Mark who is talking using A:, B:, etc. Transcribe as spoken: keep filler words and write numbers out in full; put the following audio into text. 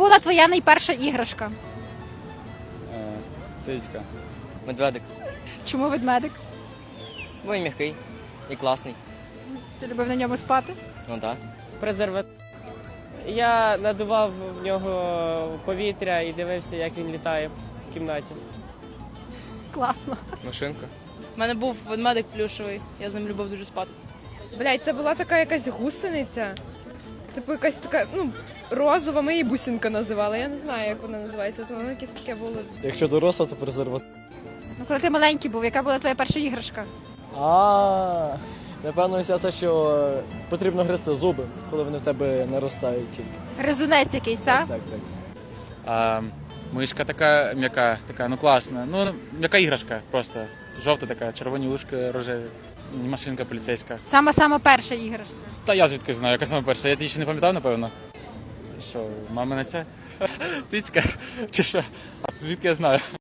A: була твоя найперша іграшка?
B: Е, Цицька.
C: Медведик.
A: Чому ведмедик?
C: Бо він м'який і класний.
A: Ти любив на ньому спати?
C: Ну так.
D: презерватив. Я надував в нього повітря і дивився, як він літає в кімнаті.
A: Класно.
C: Машинка.
E: У мене був ведмедик плюшевий, я з ним любив дуже спати.
F: Блядь, це була така якась гусениця. Типу якась така, ну, розова, ми її бусинка називали. Я не знаю, як вона називається, то воно якесь таке було.
B: Якщо доросла, то презерватив.
A: Ну, коли ти маленький був, яка була твоя перша іграшка?
B: А, напевно, вся це, що потрібно гризти зуби, коли вони в тебе наростають тільки.
A: Гризунець якийсь, так?
B: Так, так.
G: А, мишка така м'яка, така, ну класна. Ну, м'яка іграшка просто. Жовта така, червоні ушки рожеві. Машинка поліцейська.
A: Сама-сама перша іграшка.
G: Та я звідки знаю, яка саме перша. Я її ще не пам'ятав, напевно. Що, мамина ця? Тицька? Чи що? А звідки я знаю?